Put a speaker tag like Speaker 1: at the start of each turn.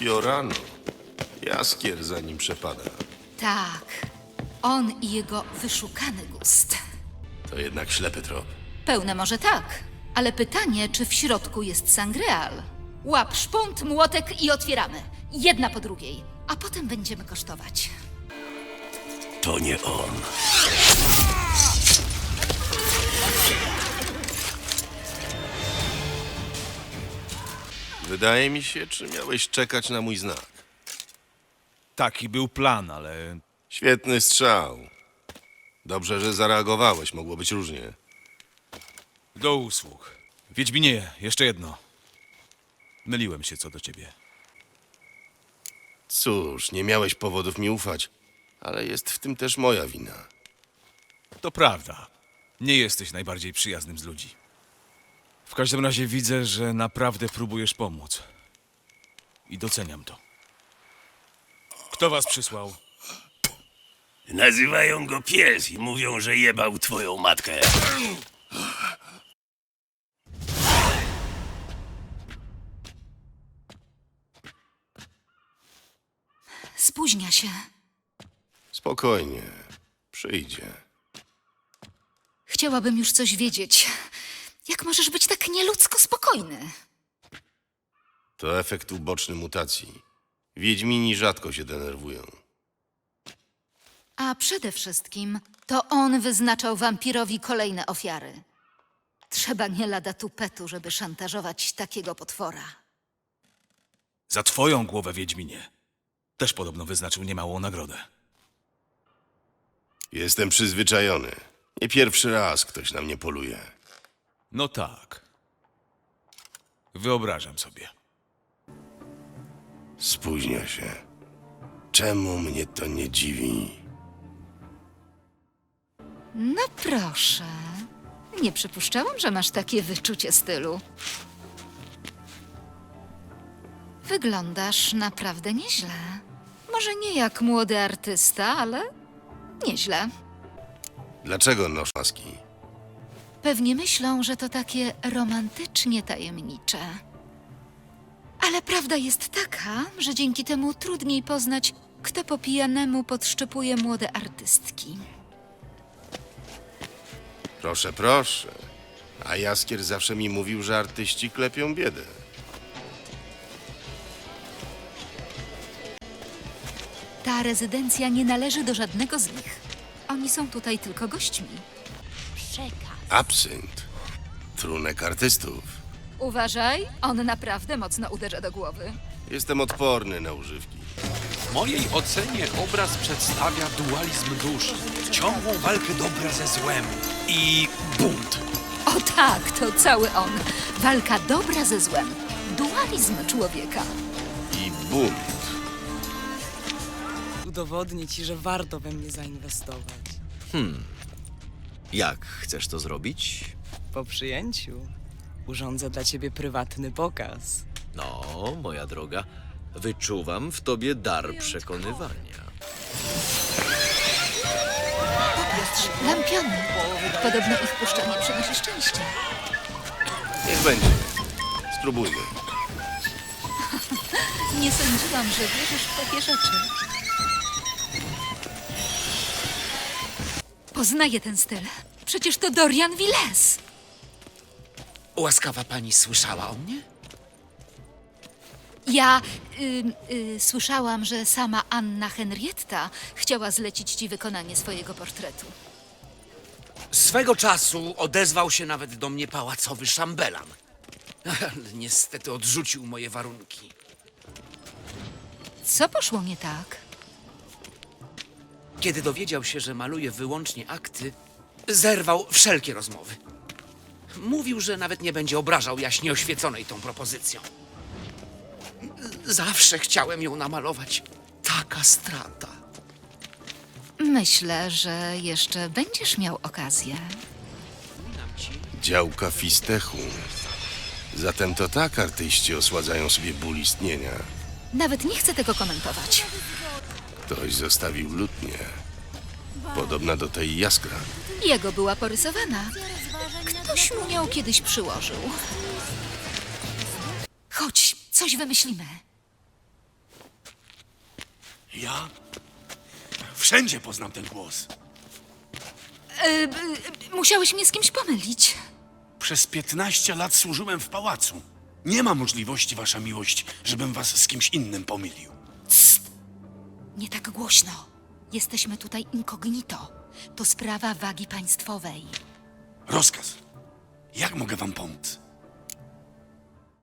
Speaker 1: Fiorano. Jaskier za nim przepada.
Speaker 2: Tak, on i jego wyszukany gust.
Speaker 1: To jednak ślepy trop.
Speaker 2: Pełne może tak, ale pytanie, czy w środku jest sangreal. Łap szpunt, młotek i otwieramy. Jedna po drugiej, a potem będziemy kosztować.
Speaker 3: To nie on.
Speaker 1: Wydaje mi się, czy miałeś czekać na mój znak.
Speaker 4: Taki był plan, ale
Speaker 1: Świetny strzał. Dobrze, że zareagowałeś. Mogło być różnie.
Speaker 4: do usług. Wiedźminie, jeszcze jedno. Myliłem się co do ciebie.
Speaker 1: Cóż, nie miałeś powodów mi ufać, ale jest w tym też moja wina.
Speaker 4: To prawda. Nie jesteś najbardziej przyjaznym z ludzi. W każdym razie widzę, że naprawdę próbujesz pomóc. I doceniam to. Kto was przysłał?
Speaker 3: Nazywają go pies i mówią, że jebał twoją matkę.
Speaker 2: Spóźnia się.
Speaker 1: Spokojnie. Przyjdzie.
Speaker 2: Chciałabym już coś wiedzieć. Jak możesz być tak nieludzko spokojny?
Speaker 1: To efekt uboczny mutacji. Wiedźmini rzadko się denerwują.
Speaker 2: A przede wszystkim to on wyznaczał wampirowi kolejne ofiary. Trzeba nie lada tupetu, żeby szantażować takiego potwora.
Speaker 4: Za twoją głowę, Wiedźminie. Też podobno wyznaczył niemałą nagrodę.
Speaker 1: Jestem przyzwyczajony. Nie pierwszy raz ktoś na mnie poluje.
Speaker 4: No tak. Wyobrażam sobie.
Speaker 1: Spóźnia się. Czemu mnie to nie dziwi?
Speaker 2: No proszę. Nie przypuszczałam, że masz takie wyczucie stylu. Wyglądasz naprawdę nieźle. Może nie jak młody artysta, ale nieźle.
Speaker 1: Dlaczego nosz maski?
Speaker 2: Pewnie myślą, że to takie romantycznie tajemnicze. Ale prawda jest taka, że dzięki temu trudniej poznać, kto po pijanemu podszczepuje młode artystki.
Speaker 1: Proszę, proszę. A Jaskier zawsze mi mówił, że artyści klepią biedę.
Speaker 2: Ta rezydencja nie należy do żadnego z nich. Oni są tutaj tylko gośćmi.
Speaker 1: Absynt. Trunek artystów.
Speaker 2: Uważaj, on naprawdę mocno uderza do głowy.
Speaker 1: Jestem odporny na używki.
Speaker 5: W mojej ocenie obraz przedstawia dualizm dusz, ciągłą walkę dobra ze złem i bunt.
Speaker 2: O tak, to cały on. Walka dobra ze złem. Dualizm człowieka.
Speaker 1: I bunt.
Speaker 6: Udowodnię ci, że warto we mnie zainwestować.
Speaker 7: Jak chcesz to zrobić?
Speaker 6: Po przyjęciu urządzę dla ciebie prywatny pokaz.
Speaker 7: No, moja droga, wyczuwam w tobie dar przekonywania.
Speaker 2: Lampiony. Podobno ich puszczanie przynosi szczęście.
Speaker 1: Niech będzie. Spróbujmy.
Speaker 2: Nie sądziłam, że wierzysz w takie rzeczy. Poznaję ten styl. Przecież to Dorian Villes.
Speaker 5: Łaskawa pani słyszała o mnie?
Speaker 2: Ja słyszałam, że sama Anna Henrietta chciała zlecić ci wykonanie swojego portretu.
Speaker 5: Swego czasu odezwał się nawet do mnie pałacowy szambelan. Ale niestety odrzucił moje warunki.
Speaker 2: Co poszło nie tak?
Speaker 5: Kiedy dowiedział się, że maluję wyłącznie akty, zerwał wszelkie rozmowy. Mówił, że nawet nie będzie obrażał jaśnie oświeconej tą propozycją. Zawsze chciałem ją namalować. Taka strata.
Speaker 2: Myślę, że jeszcze będziesz miał okazję.
Speaker 1: Działka Fistechu. Zatem to tak artyści osładzają sobie ból istnienia.
Speaker 2: Nawet nie chcę tego komentować.
Speaker 1: Ktoś zostawił lutnię. Podobna do tej Jaskra.
Speaker 2: Jego była porysowana. Ktoś mu ją kiedyś przyłożył. Chodź, coś wymyślimy.
Speaker 8: Ja? Wszędzie poznam ten głos.
Speaker 2: Musiałeś mnie z kimś pomylić.
Speaker 8: Przez 15 lat służyłem w pałacu. Nie ma możliwości, wasza miłość, żebym was z kimś innym pomylił.
Speaker 2: Nie tak głośno. Jesteśmy tutaj incognito. To sprawa wagi państwowej.
Speaker 8: Rozkaz. Jak mogę wam pomóc?